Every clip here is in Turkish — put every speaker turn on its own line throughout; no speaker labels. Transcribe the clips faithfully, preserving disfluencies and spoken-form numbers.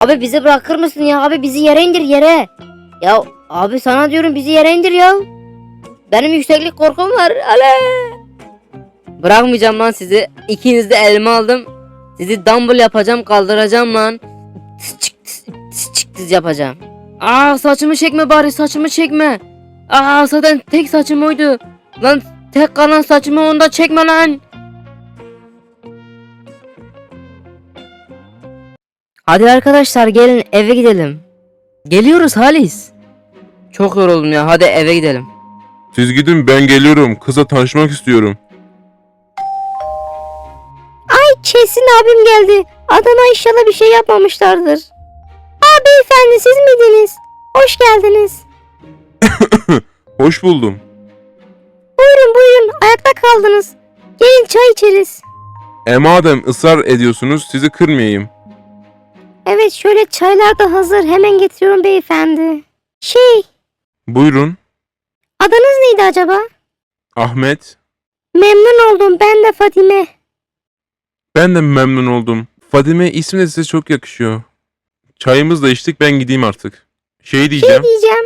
Abi bizi bırakır mısın ya? Abi bizi yere indir yere. Ya abi sana diyorum bizi yere indir ya. Benim yükseklik korkum var. Ale. Bırakmayacağım lan sizi. İkiniz de elime aldım. Sizi dumbbell yapacağım, kaldıracağım lan. Tıs çık tıs tıs çık tıs yapacağım. Aa saçımı çekme bari, saçımı çekme. Aa zaten tek saçım oydu. Lan tek kalan saçımı onda çekme lan. Hadi arkadaşlar gelin eve gidelim. Geliyoruz Halis. Çok yoruldum ya, hadi eve gidelim.
Siz gidin, ben geliyorum. Kıza tanışmak istiyorum.
Kesin abim geldi. Adama inşallah bir şey yapmamışlardır. Aa beyefendi siz miydiniz? Hoş geldiniz.
Hoş buldum.
Buyurun buyurun ayakta kaldınız. Gelin çay içeriz.
E madem ısrar ediyorsunuz, sizi kırmayayım.
Evet şöyle çaylar da hazır. Hemen getiriyorum beyefendi. Şey
Buyurun.
adınız neydi acaba?
Ahmet.
Memnun oldum ben de Fadime.
Ben de memnun oldum. Fadime ismi de size çok yakışıyor. Çayımızı da içtik, ben gideyim artık. Şey diyeceğim.
Ne diyeceğim?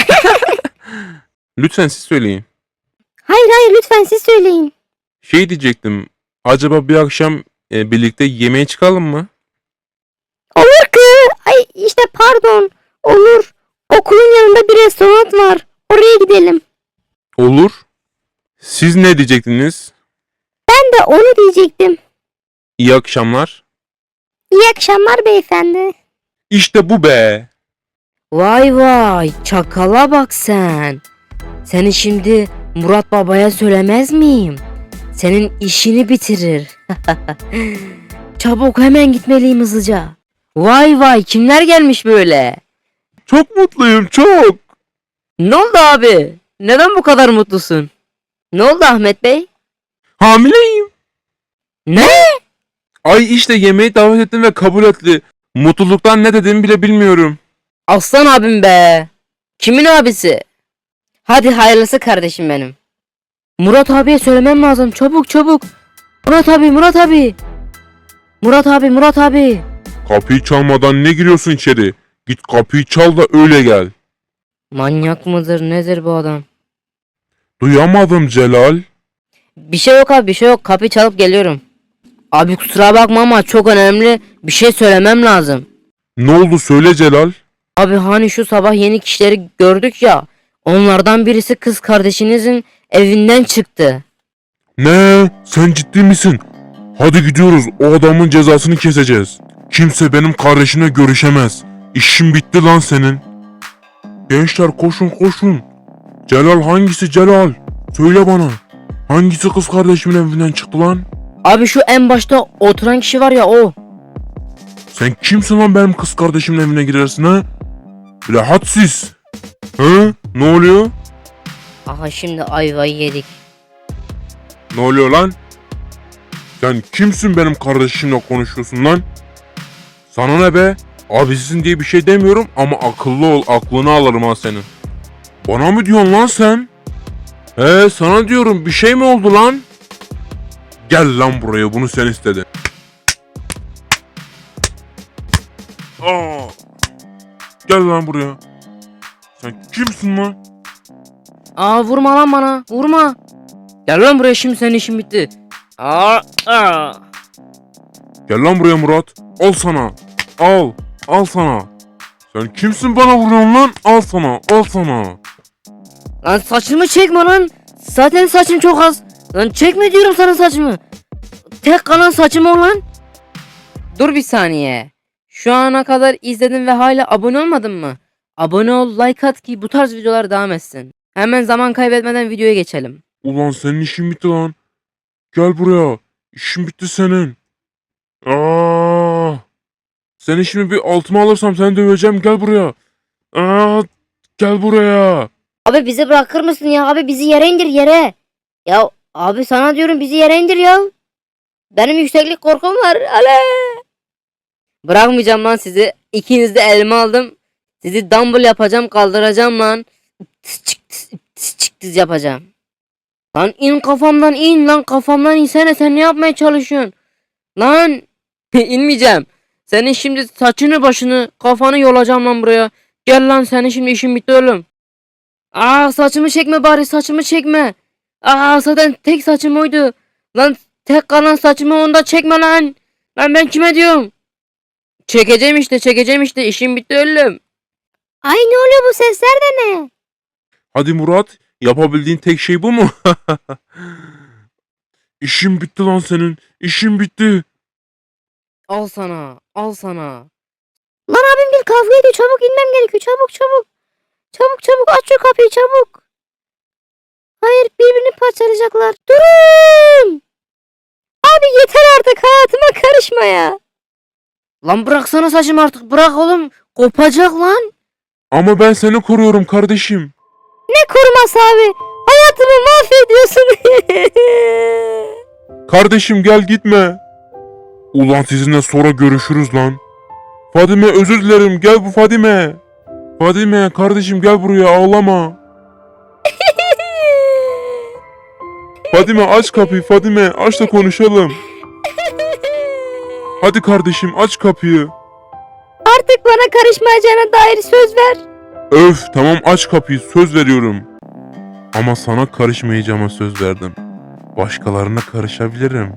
Lütfen siz söyleyin.
Hayır hayır lütfen siz söyleyin.
Şey diyecektim. Acaba bir akşam e, birlikte yemeğe çıkalım mı?
Olur ki. Ay işte pardon. Olur. Okulun yanında bir restoran var. Oraya gidelim.
Olur. Siz ne diyecektiniz?
Ben de onu diyecektim.
İyi akşamlar.
İyi akşamlar beyefendi.
İşte bu be.
Vay vay çakala bak sen. Seni şimdi Murat Baba'ya söylemez miyim? Senin işini bitirir. Çabuk hemen gitmeliyim hızlıca. Vay vay kimler gelmiş böyle?
Çok mutluyum, çok.
Ne oldu abi? Neden bu kadar mutlusun? Ne oldu Ahmet Bey?
Hamileyim.
Ne?
Ay işte yemeğe davet ettim ve kabul etti. Mutluluktan ne dediğimi bile bilmiyorum.
Aslan abim be. Kimin abisi? Hadi hayırlısı kardeşim benim. Murat abiye söylemem lazım. Çabuk çabuk. Murat abi Murat abi. Murat abi Murat abi.
Kapıyı çalmadan ne giriyorsun içeri? Git kapıyı çal da öyle gel.
Manyak mıdır nedir bu adam?
Duyamadım Celal.
Bir şey yok abi bir şey yok. Kapıyı çalıp geliyorum. Abi kusura bakma ama çok önemli bir şey söylemem lazım.
Ne oldu söyle Celal.
Abi hani şu sabah yeni kişileri gördük ya. Onlardan birisi kız kardeşinizin evinden çıktı.
Ne? Sen ciddi misin? Hadi gidiyoruz, o adamın cezasını keseceğiz. Kimse benim kardeşimle görüşemez. İşin bitti lan senin. Gençler koşun koşun. Celal hangisi Celal? Söyle bana. Hangisi kız kardeşimin evinden çıktı lan?
Abi şu en başta oturan kişi var ya o.
Sen kimsin lan benim kız kardeşimin evine girersin ha? Bile hadsiz. Hı? Ne oluyor?
Aha şimdi ayvayı yedik.
Ne oluyor lan? Sen kimsin benim kardeşimle konuşuyorsun lan? Sana ne be? Abisisin diye bir şey demiyorum ama akıllı ol, aklını alırım ha senin. Bana mı diyorsun lan sen? He sana diyorum, bir şey mi oldu lan? Gel lan buraya, bunu sen istedin. Aa, gel lan buraya. Sen kimsin lan?
Aa vurma lan bana vurma. Gel lan buraya şimdi senin işin bitti. Aa, aa.
Gel lan buraya Murat. Al sana. Al. Al sana. Sen kimsin bana vuruyorsun lan? Al sana. Al sana.
Lan saçımı çekme lan. Zaten saçım çok az. Lan çekme diyorum sana saçımı. Tek kalan saçım o lan. Dur bir saniye. Şu ana kadar izledin ve hala abone olmadın mı? Abone ol, like at ki bu tarz videolar devam etsin. Hemen zaman kaybetmeden videoya geçelim.
Ulan senin işin bitti lan. Gel buraya. İşin bitti senin. Aa! Senin şimdi bir altıma alırsam seni döveceğim. Gel buraya. Aa! Gel buraya.
Abi bizi bırakır mısın ya? Abi bizi yere indir yere. Ya abi sana diyorum bizi yere indir ya. Benim yükseklik korkum var. Ale. Bırakmayacağım lan sizi. İkiniz de elime aldım. Sizi dumbbell yapacağım, kaldıracağım lan. Tıs çık tıs tıs çık tıs yapacağım. Lan in kafamdan in lan kafamdan insene sen ne yapmaya çalışıyorsun? Lan inmeyeceğim. Senin şimdi saçını başını kafanı yolacağım lan buraya. Gel lan, senin şimdi işin bitti oğlum. Aa, saçımı çekme bari, saçımı çekme. Aa, zaten tek saçım oydu. Lan tek kalan saçımı onda çekme lan. Lan ben kime diyorum? Çekeceğim işte, çekeceğim işte, işim bitti oğlum.
Ay ne oluyor, bu sesler de ne?
Hadi Murat, yapabildiğin tek şey bu mu? İşin bitti lan senin. İşin bitti.
Al sana, al sana.
Lan abim bir kavga ediyor, çabuk inmem gerekiyor, çabuk çabuk. Çabuk çabuk aç şu kapıyı çabuk. Hayır, birbirini parçalayacaklar. Durun. Abi yeter artık, hayatıma karışma ya.
Lan bıraksana saçımı artık, bırak oğlum. Kopacak lan.
Ama ben seni koruyorum kardeşim.
Ne koruması abi? Hayatımı mahvediyorsun.
Kardeşim gel gitme. Ulan sizinle sonra görüşürüz lan. Fadime özür dilerim, gel bu Fadime. Fadime kardeşim gel buraya, ağlama. Fadime aç kapıyı, Fadime aç da konuşalım. Hadi kardeşim aç kapıyı.
Artık bana karışmayacağına dair söz ver.
Öf tamam aç kapıyı, söz veriyorum. Ama sana karışmayacağıma söz verdim. Başkalarına karışabilirim.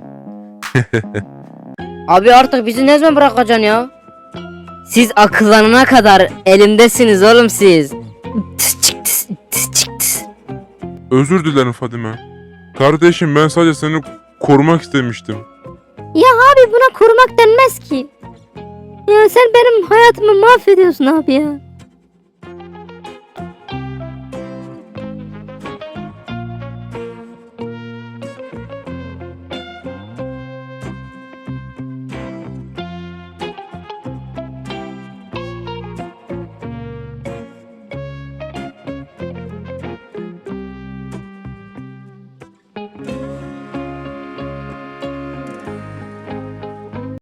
Abi artık bizi ne zaman bırakacaksın ya? Siz akıllanana kadar elimdesiniz oğlum siz. Tıs çık tıs, tıs çık tıs.
Özür dilerim Fadime. Kardeşim ben sadece seni korumak istemiştim.
Ya abi buna korumak denmez ki. Ya sen benim hayatımı mahvediyorsun abi ya.